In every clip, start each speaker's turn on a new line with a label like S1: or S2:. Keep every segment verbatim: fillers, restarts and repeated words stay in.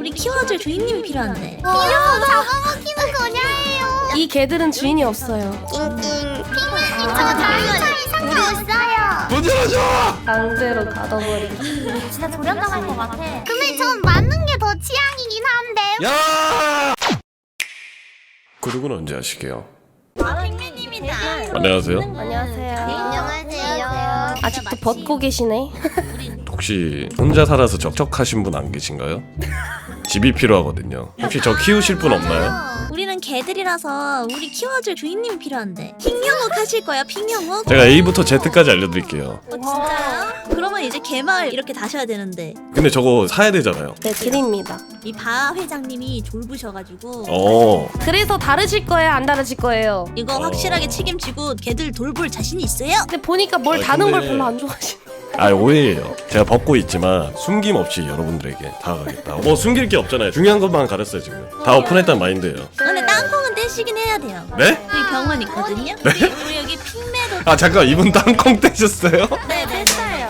S1: 우리 키워줄 주인님이 필요한데.
S2: 이러고 잡아먹히는 거냐예요.
S3: 이 개들은 주인이 없어요.
S2: 낑낑. 핑맨님 저 다이어리 상관 없어요.
S4: 문 열어줘!
S3: 강제로 가둬버리기.
S2: 진짜 조련당할 것 같아. 근데 전 맞는 게 더 취향이긴 한데.
S4: 야! 구독은 언제 하시게요?
S2: 아, 핑맨님이다.
S4: 안녕하세요.
S3: 안녕하세요.
S2: 안녕하세요.
S3: 아직도 벗고 계시네.
S4: 혹시 혼자 살아서 적적하신 분 안 계신가요? 집이 필요하거든요. 혹시 저 키우실 분 없나요?
S1: 우리는 개들이라서 우리 키워줄 주인님이 필요한데. 핑형욱 하실 거야, 핑형욱?
S4: 제가 A부터 Z까지 알려드릴게요.
S1: 어, 진짜요? 그러면 이제 개마을 이렇게 다셔야 되는데
S4: 근데 저거 사야 되잖아요.
S3: 네, 드립니다.
S1: 이 바 회장님이 졸부셔가지고
S4: 어.
S3: 그래서 다르실 거예요? 안 다르실 거예요?
S1: 이거
S4: 어.
S1: 확실하게 책임지고 개들 돌볼 자신이 있어요?
S3: 근데 보니까 뭘
S4: 아,
S3: 다는 걸
S4: 근데-
S3: 별로 안 좋아하시네.
S4: 아 오해예요. 제가 벗고 있지만 숨김없이 여러분들에게 다가가겠다. 뭐 숨길 게 없잖아요. 중요한 것만 가렸어요 지금. 다 오픈했단 마인드예요.
S1: 근데 땅콩은 떼시긴 해야 돼요.
S4: 네?
S1: 여기 병원 있거든요? 우리, 우리 여기 핑매도
S4: 아 잠깐 이분 땅콩 떼셨어요?
S1: 네, 뗐어요.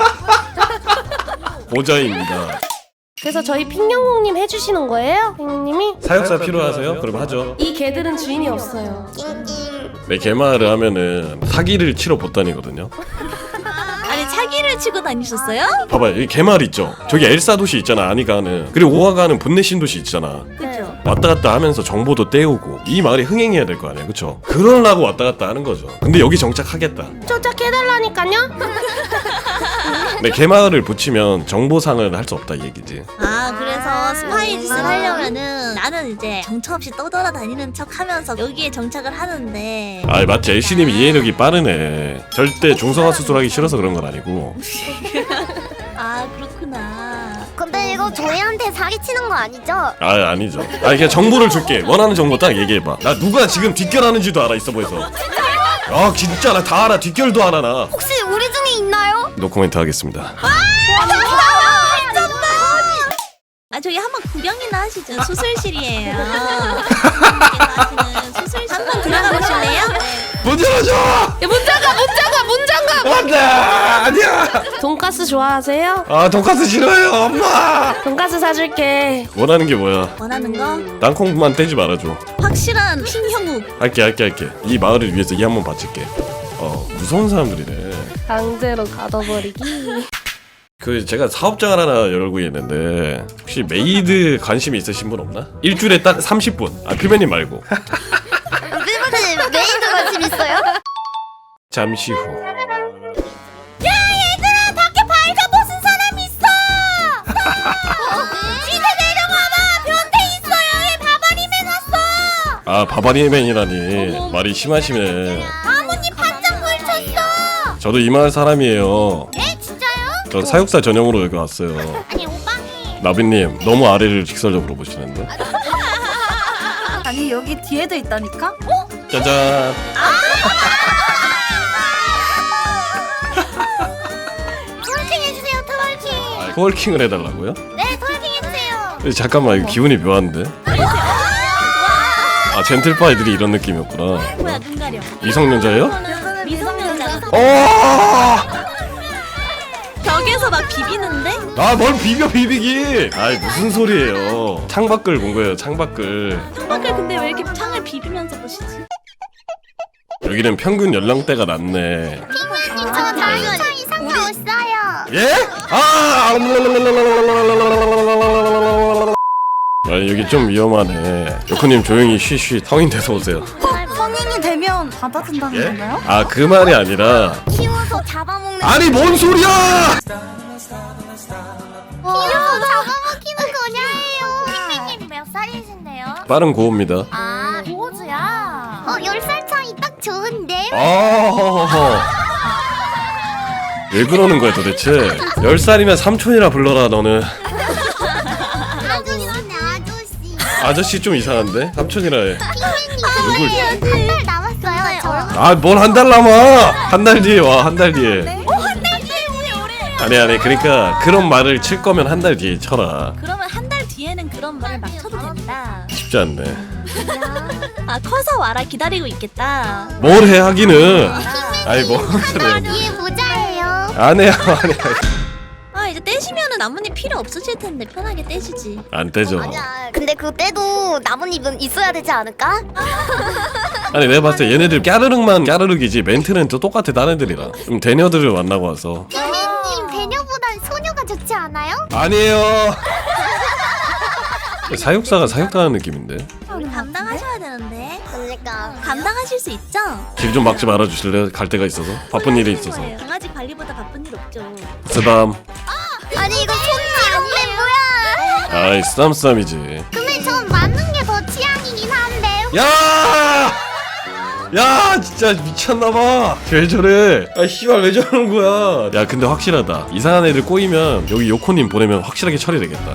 S4: 보자입니다.
S3: 그래서 저희 핑영웅님 해주시는 거예요? 핑영님이?
S4: 사육사 필요하세요? 그럼 하죠.
S3: 이 개들은 주인이 없어요.
S2: 낑낑.
S4: 네, 개마를 하면은 사기를 치러 못 다니거든요.
S1: 아니 차기를 치고 다니셨어요?
S4: 봐봐요, 여기 개마을 있죠? 저기 엘사 도시 있잖아, 아니가는. 그리고 오아가는 분내신 도시 있잖아.
S1: 그죠?
S4: 왔다 갔다 하면서 정보도 떼오고 이 마을이 흥행해야 될 거 아니야, 그쵸? 그러려고 왔다 갔다 하는 거죠. 근데 여기 정착하겠다.
S3: 쫓아해달라니까요?
S4: 네, 개마을을 붙이면 정보상을 할 수 없다 이 얘기지.
S1: 아 그래서 스파이 짓을 하려면은 나는 이제 정처 없이 떠돌아다니는 척 하면서 여기에 정착을 하는데
S4: 아 마치 엘씨님이 이해력이 빠르네. 절대 중성화 수술하기 싫어서 그런 건 아니고.
S1: 아 그렇구나.
S2: 근데 이거 저희한테 사기치는 거 아니죠?
S4: 아 아니죠. 아 그냥 정보를 줄게. 원하는 정보 딱 얘기해봐. 나 누가 지금 뒷결하는지도 알아, 있어 보여서. 아 진짜 나 다 알아. 뒷결도 알아 나.
S2: 혹시 우리 중에 있나요?
S4: 노코멘트 하겠습니다.
S1: 아 저기 한번 구경이나 하시죠. 수술실이에요. 하시는 수술실 한번 들어가 보실래요?
S4: 문 열어줘!
S3: 야, 문 잠가! 문 잠가! 문 잠가!
S4: 안돼! 아니야!
S3: 돈가스 좋아하세요?
S4: 아 돈까스 싫어요 엄마!
S3: 돈가스 사줄게.
S4: 원하는 게 뭐야?
S1: 원하는 거
S4: 땅콩만 떼지 말아줘.
S1: 확실한 핑형욱.
S4: 할게 할게 할게. 이 마을을 위해서 이 한 번 바칠게. 어 무서운 사람들이네.
S3: 강제로 가둬버리기.
S4: 그 제가 사업장을 하나 열고 있는데 혹시 메이드 관심 있으신 분 없나? 일주일에 딱 삼십 분. 아 피맨님 말고.
S2: 일본에 메이드 관심 있어요?
S4: 잠시 후.
S2: 얘들아 밖에 발자 벗은 사람 있어. 집에 내려와봐. 변태 있어요. 얘 바바리맨 왔어.
S4: 아 바바리맨이라니 말이 심하시네.
S2: 아버님 반짝 펼쳤어.
S4: 저도 이 마을 사람이에요.
S2: 예 진짜요?
S4: 저 사육사 전용으로 여기 왔어요.
S2: 아니 오빠님.
S4: 나비님 너무 아래를 직설적으로 보시는데.
S5: 아니 여기 뒤에도 있다니까?
S4: 짜잔.
S2: 트월킹 해주세요. 트월킹.
S4: 아, 코월킹을 해달라고요?
S2: 네 트월킹 해주세요.
S4: 근데 잠깐만 이거 기분이 묘한데. 아 젠틀파이들이 이런 느낌이었구나.
S1: 뭐야 눈 가려.
S4: 미성년자예요?
S1: 미성년자.
S4: 어!
S1: 벽에서 막 비비는데?
S4: 아뭘 비벼 비비기! 아이 무슨 소리예요? 창밖을 본 거예요. 창밖을.
S1: 창밖을 근데 왜 이렇게 창을 비비면서 보시지?
S4: 여기는 평균 연령대가 낮네.
S2: 핑맨님 저 다이어리 상관 없어요.
S4: 예? 아! 아니 여기 좀 위험하네. 요코님 조용히 쉬쉬. 성인 돼서 오세요.
S5: 성인이 되면 받아준다는
S4: 예?
S5: 건가요?
S4: 아 그 말이 아니라.
S2: 키워서 잡아먹는.
S4: 아니 뭔 소리야!
S2: 키워서 잡아먹히는 거냐예요. 핑맨님 몇 살이신데요?
S4: 빠른 고호입니다.
S2: 아 보즈야. 어 열 살 차이 딱 좋은데.
S4: 아. 왜 그러는 거야 도대체? 열 살이면 삼촌이라 불러라 너는.
S2: 아저씨네 아저씨.
S4: 아저씨 좀 이상한데? 삼촌이라 해. 누굴?
S2: 한달 남았어요. 저.
S4: 아 뭘 한 달 남아! 한 달 뒤에 와, 한 달 뒤에.
S2: 한달 뒤에 우리 오래.
S4: 아니 아니 그러니까 그런 말을 칠 거면 한 달 뒤에 쳐라.
S1: 그러면 한 달 뒤에는 그런 말을 막 쳐도 된다.
S4: 쉽지 않네.
S1: 아 커서 와라 기다리고 있겠다.
S4: 뭘 해 하기는. 아니 뭐
S2: 한달 뒤에 보자예요.
S4: 안 해요 안 해요.
S1: 아 이제 떼시면은 나뭇잎 필요 없으실 텐데 편하게 떼시지.
S4: 안 떼죠.
S2: 아니야. 근데 그 때도 나뭇잎은 있어야 되지 않을까?
S4: 아니 내가 봤을 때 얘네들 까르륵만 까르륵이지 멘트는 또 똑같아 다른 애들이랑. 좀 대녀들을 만나고 와서.
S2: 핑맨님 배녀보단 소녀가 좋지 않아요?
S4: 아니에요. 사육사가 사육당하는 느낌인데.
S1: 우리 감당하셔야 되는데.
S2: 그러니까.
S1: 감당하실 수 있죠?
S4: 길 좀 막지 말아주실래요? 갈 데가 있어서 바쁜 일이 있어서.
S1: 거예요. 강아지 관리보다 바쁜 일 없죠.
S4: 쓰담.
S2: 아니 이거 손이 안돼 뭐야?
S4: 아이 쓰담쓰담이지.
S2: 근데 전 맞는 게 더 취향이긴 한데.
S4: 야! 야 진짜 미쳤나봐. 왜 저래? 아 씨발 왜 저러는 거야? 야 근데 확실하다. 이상한 애들 꼬이면 여기 요코님 보내면 확실하게 처리되겠다.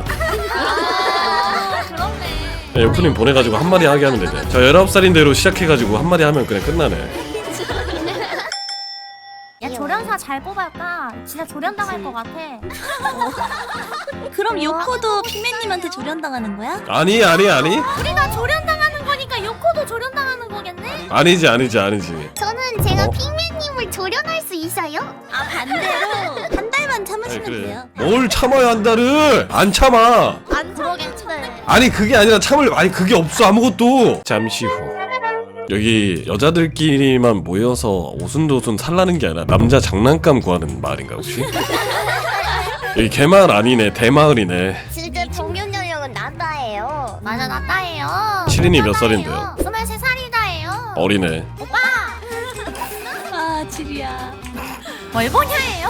S4: 야, 요코님 보내가지고 한마디 하게 하면 되죠. 저 열아홉 살인대로 시작해가지고 한마디 하면 그냥 끝나네.
S2: 야 조련사 잘 뽑았다. 진짜 조련당할 것 같아.
S1: 그럼 요코도 핑맨님한테 조련당하는 거야?
S4: 아니 아니 아니
S2: 우리가 조련당하는 거니까 요코도 조련당하는 거겠네?
S4: 아니지 아니지 아니지.
S2: 저는 제가
S4: 어?
S2: 핑맨님을 조련할 수 있어요?
S1: 아 반대로 한 달만
S4: 아니
S1: 참으시면
S4: 그래.
S1: 돼요.
S4: 뭘 참아야 한다를 안 참아.
S1: 안 그러겠네.
S4: 아니 그게 아니라 참을 아니 그게 없어 아무것도. 잠시 후 여기 여자들끼리만 모여서 오순도순 살라는 게 아니라 남자 장난감 구하는 마을인가 혹시? 여기 개마을 아니네 대마을이네.
S2: 실제 평균 연령은 나다예요. 맞아 나다예요.
S4: 시린이 몇 살인데요?
S2: 스물세 살이다예요.
S4: 어리네.
S2: 오빠
S1: 아 지리야.
S2: 뭘 보냐예요?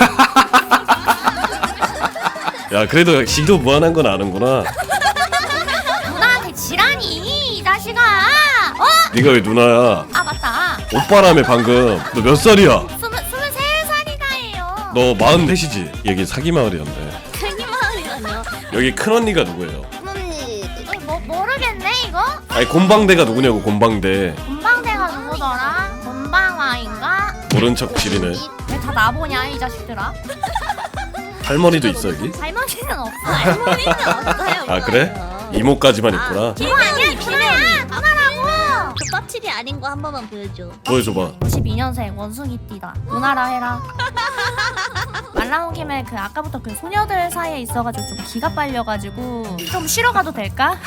S4: 야 그래도 지도 무한한 건 아는구나.
S2: 누나한테 지라니 이 자식아. 어?
S4: 네가 왜 누나야?
S2: 아 맞다.
S4: 오빠라며 방금. 너 몇 살이야?
S2: 스물 스물세 살이다예요.
S4: 너 마흔셋이지? 여기 사기 마을이었네.
S1: 괜히 마을이라뇨.
S4: 여기 큰 언니가 누구예요?
S2: 언니. 뭐 모르겠네 이거?
S4: 아니 곤방대가 누구냐고 곤방대.
S2: 본방대가 누구더라? 본방와인가?
S4: 모른 척 지리네.
S2: 왜 다 나보냐 이 자식들아?
S4: 할머니도 있어 여기?
S2: 할머니는 없어.
S1: 할머니는 없어요.
S4: 아 그래? 이모까지만 있구나.
S2: 이거 아니야 누나야. 누나라고.
S1: 그 껍질이 아닌 거 한 번만 보여줘.
S4: 보여줘봐.
S2: 구십이 년생 원숭이띠다. 누나라 해라. 말 나온 김에 그 아까부터 그 소녀들 사이에 있어가지고 좀 기가 빨려가지고 좀 쉬러 가도 될까?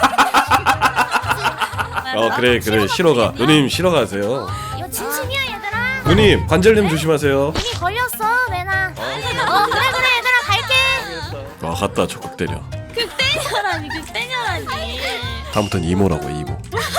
S4: 어 그래 그래 쉬러 가. 누님 쉬러 가세요.
S2: 이거 진심이야 얘들아.
S4: 누님 관절염 조심하세요.
S2: 이미 걸렸어 매나. 어 그래 그래 얘들아 갈게.
S4: 와 갔다 적극 때려.
S1: 극대녀라니 극대녀라니.
S4: 다음부터는 이모라고 이모.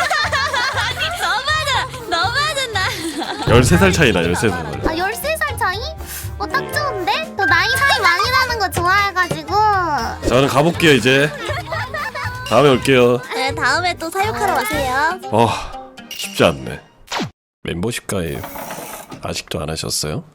S1: 너무하다. 너무하다 나.
S4: 열세 살 차이나 열세 살.
S2: 아 열세 살 차이? 어 딱 좋은데? 또 나이 차이 많이 나는 거 좋아해가지고.
S4: 저는 가볼게요 이제. 다음에 올게요.
S1: 네 다음에 또 사육하러 오세요.
S4: 어 쉽지 않네. 멤버십 가입 아직도 안 하셨어요?